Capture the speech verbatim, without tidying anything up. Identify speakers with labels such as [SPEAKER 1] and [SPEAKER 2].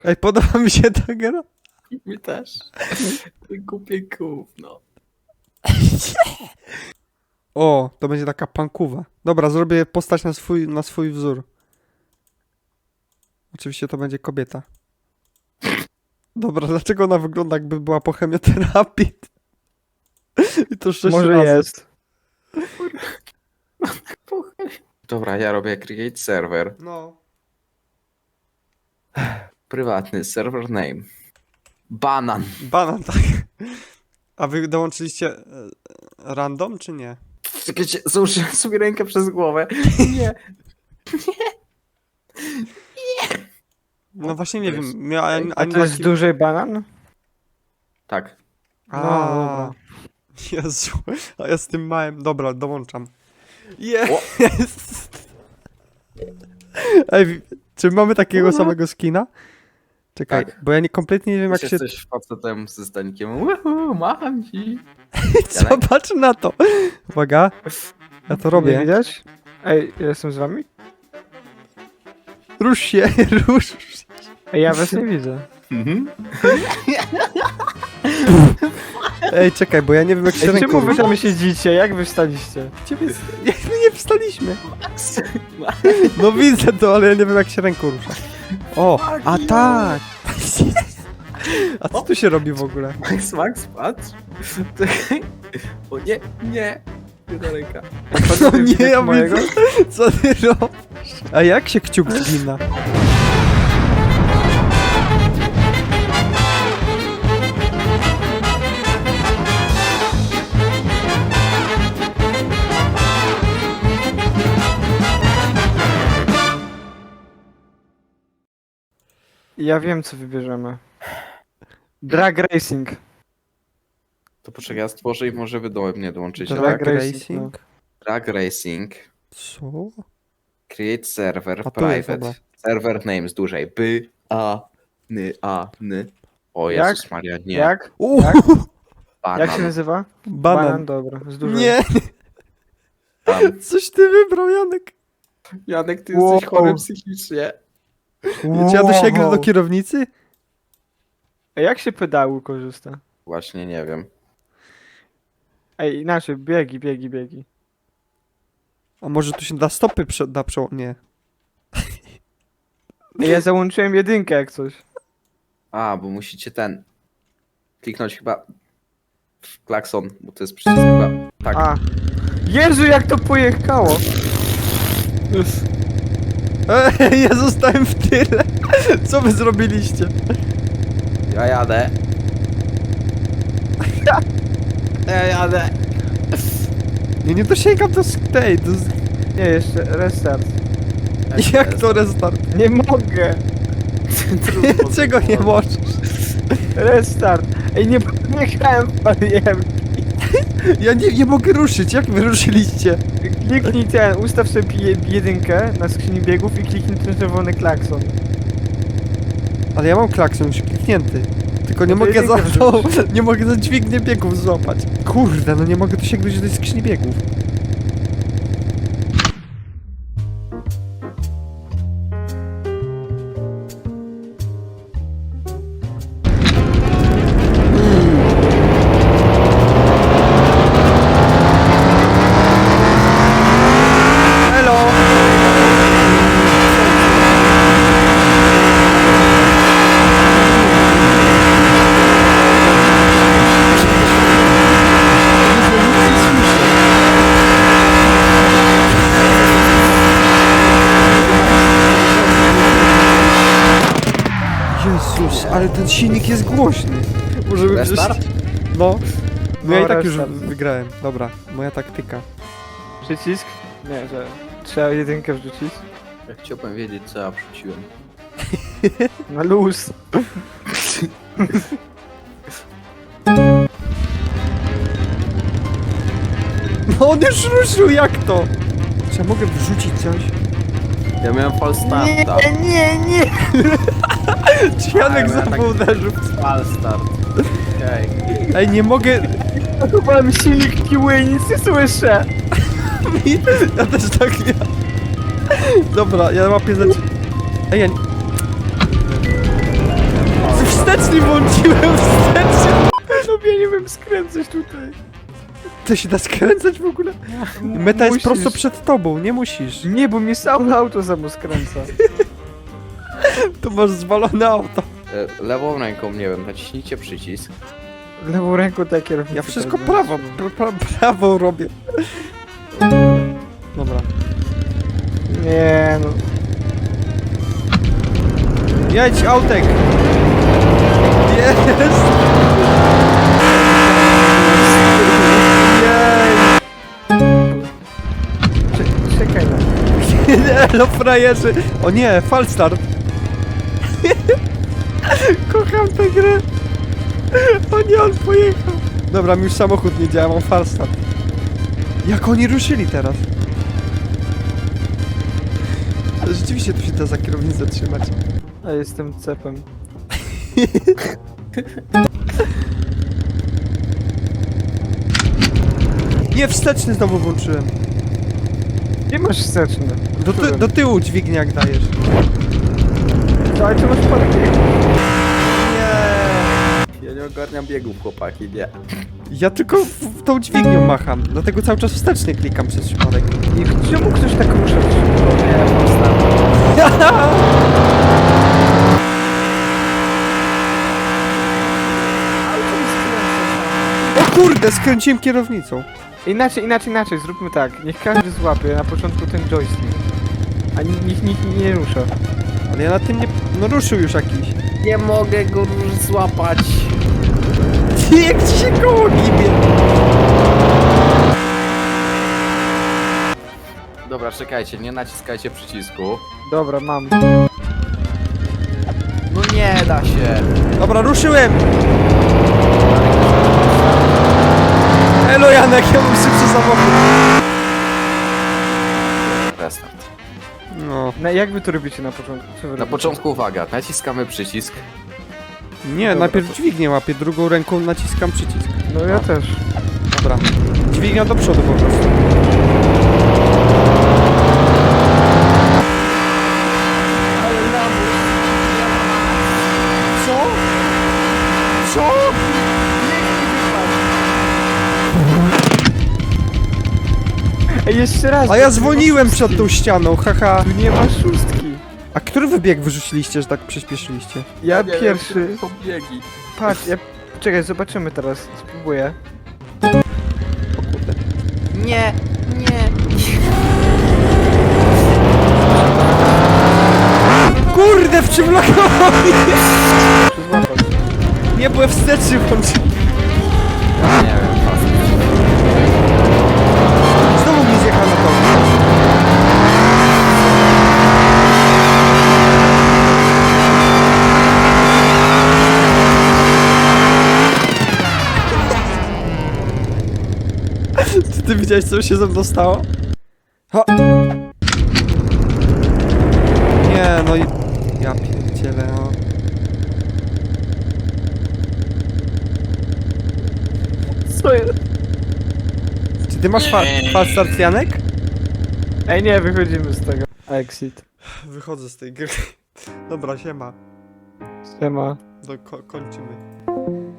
[SPEAKER 1] Ej, podoba mi się ta gra.
[SPEAKER 2] Mi też. Głupie gówno.
[SPEAKER 1] O, to będzie taka pankuwa. Dobra, zrobię postać na swój, na swój wzór. Oczywiście to będzie kobieta. Dobra, dlaczego ona wygląda jakby była po chemioterapii? I to sześć
[SPEAKER 3] Może
[SPEAKER 1] razy.
[SPEAKER 3] jest.
[SPEAKER 2] Dobra, ja robię create server.
[SPEAKER 1] No.
[SPEAKER 2] Prywatny server name. Banan.
[SPEAKER 1] Banan, tak. A wy dołączyliście e, random, czy nie?
[SPEAKER 2] Czekajcie, założyłem sobie rękę przez głowę. Nie.
[SPEAKER 1] No właśnie nie
[SPEAKER 2] to
[SPEAKER 1] wiem.
[SPEAKER 2] jest-
[SPEAKER 1] Miałem
[SPEAKER 3] A
[SPEAKER 1] ani
[SPEAKER 3] to jest
[SPEAKER 1] taki-
[SPEAKER 3] duży banan?
[SPEAKER 2] Tak.
[SPEAKER 3] No,
[SPEAKER 1] A,
[SPEAKER 3] dobra.
[SPEAKER 1] Jezu, a ja z tym małym. Dobra, dołączam.
[SPEAKER 2] O.
[SPEAKER 1] Jest! Ej, wi- czy mamy takiego samego skina? Czekaj,
[SPEAKER 2] Tak.
[SPEAKER 1] bo ja nie, kompletnie nie wiem jak
[SPEAKER 2] Jak
[SPEAKER 1] się...
[SPEAKER 2] jesteś facetem ze stanikiem. Uhu, macham ci.
[SPEAKER 1] Zobacz na to! Uwaga, ja to
[SPEAKER 3] Nie
[SPEAKER 1] robię.
[SPEAKER 3] widać? Ej, ja jestem z wami?
[SPEAKER 1] Rusz się, rusz.
[SPEAKER 3] Ej, ja was nie widzę.
[SPEAKER 2] Mhm.
[SPEAKER 1] Ej, czekaj, bo ja nie wiem jak się
[SPEAKER 3] Ej,
[SPEAKER 1] ręką
[SPEAKER 3] czemu wy
[SPEAKER 1] rusza.
[SPEAKER 3] tam siedzicie? Jak wy wstaliście?
[SPEAKER 1] Ciebie... Nie, my nie wstaliśmy. No widzę to, ale ja nie wiem jak się ręką rusza. O, a tak! A co tu się robi w ogóle?
[SPEAKER 2] Max, Max, patrz. Czekaj. O nie, nie. Jedna ręka.
[SPEAKER 1] No nie,
[SPEAKER 3] Widać
[SPEAKER 1] ja
[SPEAKER 3] mojego?
[SPEAKER 1] widzę. Co ty robisz? A jak się kciuk zgina?
[SPEAKER 3] Ja wiem, co wybierzemy. Drag Racing.
[SPEAKER 2] To poczekaj, ja stworzę i może wy do mnie dołączycie,
[SPEAKER 3] Drag
[SPEAKER 2] tak?
[SPEAKER 3] racing,
[SPEAKER 1] Racing?
[SPEAKER 2] Drag Racing.
[SPEAKER 1] Co?
[SPEAKER 2] Create server
[SPEAKER 1] A tu jest,
[SPEAKER 2] private.
[SPEAKER 1] dobra.
[SPEAKER 2] Server name z dużej. By, a, ny, a, ny. O
[SPEAKER 3] Jak?
[SPEAKER 2] Jezus Maria, nie.
[SPEAKER 3] Jak?
[SPEAKER 1] Uuu,
[SPEAKER 3] Jak?
[SPEAKER 2] Banan.
[SPEAKER 3] Jak się nazywa?
[SPEAKER 1] banan.
[SPEAKER 3] dobra. Z dużej.
[SPEAKER 1] Nie,
[SPEAKER 2] Tam.
[SPEAKER 1] coś ty wybrał, Janek.
[SPEAKER 2] Janek, ty
[SPEAKER 3] Wow.
[SPEAKER 2] jesteś chory psychicznie.
[SPEAKER 1] Czy ja dosięgnę do kierownicy?
[SPEAKER 3] Ej, jak się pedału korzysta?
[SPEAKER 2] Właśnie nie wiem.
[SPEAKER 3] Ej, inaczej, biegi, biegi, biegi.
[SPEAKER 1] A może tu się da stopy prze... da prze... Nie.
[SPEAKER 3] Ej, ja załączyłem jedynkę jak coś.
[SPEAKER 2] A, bo musicie ten... Kliknąć chyba... w klakson, bo to jest przycisk chyba... Tak.
[SPEAKER 3] A. Jezu, jak to pojechało!
[SPEAKER 1] Ej, ja zostałem w tyle. Co wy zrobiliście?
[SPEAKER 2] Ja jadę. Ja jadę.
[SPEAKER 1] Nie, nie dosięgam do sk- tej, do... sk-
[SPEAKER 3] Nie, jeszcze restart.
[SPEAKER 1] Jak to restart?
[SPEAKER 3] Nie mogę!
[SPEAKER 1] Czego nie możesz?
[SPEAKER 3] Restart! Ej, nie, nie grałem w barierki.
[SPEAKER 1] Ja nie, nie mogę ruszyć, jak wy ruszyliście?
[SPEAKER 3] Kliknij ten, ustaw sobie je- jedynkę na skrzyni biegów i kliknij ten czerwony klakson.
[SPEAKER 1] Ale ja mam klakson już kliknięty. Tylko nie
[SPEAKER 3] No to
[SPEAKER 1] mogę za
[SPEAKER 3] jedynkę
[SPEAKER 1] to, nie mogę za dźwignię biegów złapać. Kurde, no nie mogę tu sięgnąć do tej skrzyni biegów. Hello! Jezus, ale ten silnik jest głośny. Może bym
[SPEAKER 2] Restart?
[SPEAKER 1] przecież- No. No ja
[SPEAKER 3] No,
[SPEAKER 1] i tak już
[SPEAKER 3] restart.
[SPEAKER 1] wygrałem. Dobra, moja taktyka.
[SPEAKER 3] Przycisk? Nie, że trzeba jedynkę wrzucić.
[SPEAKER 2] Ja chciałbym wiedzieć, co ja wrzuciłem.
[SPEAKER 3] Na luz.
[SPEAKER 1] No on już ruszył, jak to? Czy ja mogę wrzucić coś?
[SPEAKER 2] Ja miałem false starta.
[SPEAKER 3] Nie, nie, nie!
[SPEAKER 1] Czy Janek
[SPEAKER 2] A, ja
[SPEAKER 1] znowu
[SPEAKER 2] tak-
[SPEAKER 1] uderzył?
[SPEAKER 2] False start. Okej.
[SPEAKER 1] Ej, nie mogę...
[SPEAKER 3] Chyba mi silnik kiły i nic nie słyszę.
[SPEAKER 1] Ja też tak nie... Dobra, ja łapię za... Ej, ja... nie-
[SPEAKER 3] umiem skręcać tutaj.
[SPEAKER 1] To się da skręcać w ogóle? Meta jest
[SPEAKER 3] Musisz.
[SPEAKER 1] prosto przed tobą, nie musisz.
[SPEAKER 3] Nie, bo mnie samo auto samo skręca.
[SPEAKER 1] To masz zwalone auto.
[SPEAKER 2] E, Lewą ręką, nie wiem, naciśnijcie przycisk.
[SPEAKER 3] Lewą ręką tak kierownicę.
[SPEAKER 1] Ja wszystko
[SPEAKER 3] tak
[SPEAKER 1] prawo, pra, pra, prawo robię. Dobra.
[SPEAKER 3] Nie no.
[SPEAKER 1] Jedź, autek! Jest! Jej!
[SPEAKER 3] Cze- Czekaj na.
[SPEAKER 1] Elo, frajerzy! O nie, falstart! Kocham tę grę! O nie, on pojechał! Dobra, mi już samochód nie działa, mam falstart. Jak oni ruszyli teraz? Ale rzeczywiście tu się da za kierownicę trzymać.
[SPEAKER 3] A jestem cepem.
[SPEAKER 1] Nie, wsteczny znowu włączyłem.
[SPEAKER 3] Nie masz wsteczny.
[SPEAKER 1] Do, ty, do tyłu dźwignię jak dajesz.
[SPEAKER 3] To, ale ty masz parking.
[SPEAKER 1] Nie.
[SPEAKER 2] Ja nie ogarniam biegów, chłopaki, nie.
[SPEAKER 1] Ja tylko w, w tą dźwignią macham, dlatego cały czas wstecznie klikam przez przypadek.
[SPEAKER 3] I czemu ktoś tak rusza?
[SPEAKER 2] Nie, postawę.
[SPEAKER 3] Auto mi skręca.
[SPEAKER 1] O kurde, skręciłem kierownicą.
[SPEAKER 3] Inaczej, inaczej, inaczej, zróbmy tak. Niech każdy złapie na początku ten joystick. A ni- niech nikt nie rusza.
[SPEAKER 1] Ale ja na tym nie... No ruszył już jakiś.
[SPEAKER 2] Nie mogę go złapać.
[SPEAKER 1] Jak ci się koło gibie.
[SPEAKER 2] Dobra, czekajcie, nie naciskajcie przycisku.
[SPEAKER 3] Dobra, mam.
[SPEAKER 2] No nie da się.
[SPEAKER 1] Dobra, ruszyłem. Elo Janek, ja mam szybszy samochód.
[SPEAKER 2] Restart.
[SPEAKER 1] No.
[SPEAKER 3] Na, jak wy to robicie na początku? Co wy
[SPEAKER 2] Na
[SPEAKER 3] robicie?
[SPEAKER 2] początku uwaga, naciskamy przycisk.
[SPEAKER 1] Nie,
[SPEAKER 3] Dobra,
[SPEAKER 1] najpierw
[SPEAKER 3] to-
[SPEAKER 1] dźwignię łapię, drugą ręką naciskam przycisk.
[SPEAKER 3] No ja też.
[SPEAKER 1] Dobra. Dźwignia do przodu po prostu. Co? Co?
[SPEAKER 3] Ej, jeszcze raz!
[SPEAKER 1] A
[SPEAKER 3] bo
[SPEAKER 1] ja
[SPEAKER 3] tu nie
[SPEAKER 1] dzwoniłem
[SPEAKER 3] ma
[SPEAKER 1] przed tą
[SPEAKER 3] szóstki.
[SPEAKER 1] ścianą, haha.
[SPEAKER 3] Tu nie ma szóstki.
[SPEAKER 1] A który wybieg wyrzuciliście, że tak przyspieszyliście?
[SPEAKER 3] Ja pierwszy.
[SPEAKER 2] Są biegi.
[SPEAKER 3] Patrz, ja... Czekaj, zobaczymy teraz. Spróbuję.
[SPEAKER 1] O kurde.
[SPEAKER 2] Nie, nie.
[SPEAKER 1] Kurde, w czym blokował mnie?
[SPEAKER 3] Muszę złapać.
[SPEAKER 1] Nie byłem wsteczny włączyłem.
[SPEAKER 2] Nie wiem, pas.
[SPEAKER 1] Znowu mi zjechał na to. Czy ty widziałeś, co się ze mną stało? Ha! Nie, no i... Ja pierdzielę, no.
[SPEAKER 3] Co jest?
[SPEAKER 1] Czy ty masz fa fast start, Janek?
[SPEAKER 3] Ej, nie, wychodzimy z tego. Exit.
[SPEAKER 1] Wychodzę z tej gry. Dobra, siema.
[SPEAKER 3] Siema.
[SPEAKER 1] Do, ko kończymy.